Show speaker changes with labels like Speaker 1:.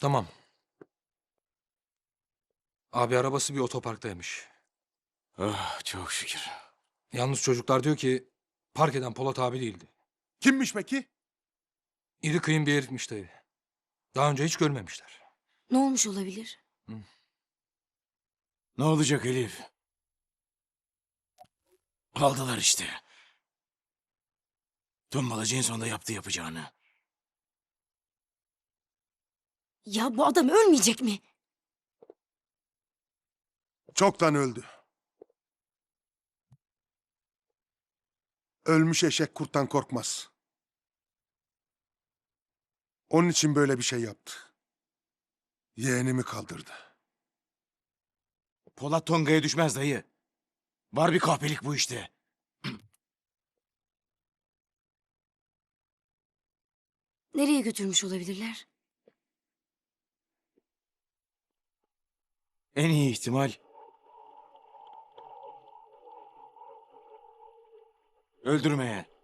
Speaker 1: Tamam. Abi arabası bir otoparktaymış.
Speaker 2: Ah, çok şükür.
Speaker 1: Yalnız çocuklar diyor ki park eden Polat abi değildi.
Speaker 3: Kimmiş peki?
Speaker 1: İri kıyım bir herifmiş dayı. Daha önce hiç görmemişler.
Speaker 4: Ne olmuş olabilir?
Speaker 2: Ne olacak Elif? Aldılar işte. Tombalacı en sonunda yaptı yapacağını.
Speaker 4: Ya bu adam ölmeyecek mi?
Speaker 3: Çoktan öldü. Ölmüş eşek kurttan korkmaz. Onun için böyle bir şey yaptı. Yeğenimi kaldırdı.
Speaker 2: Polat Tonga'ya düşmez dayı. Var bir kahpelik bu işte.
Speaker 4: Nereye götürmüş olabilirler?
Speaker 2: En iyi ihtimal... öldürmeye.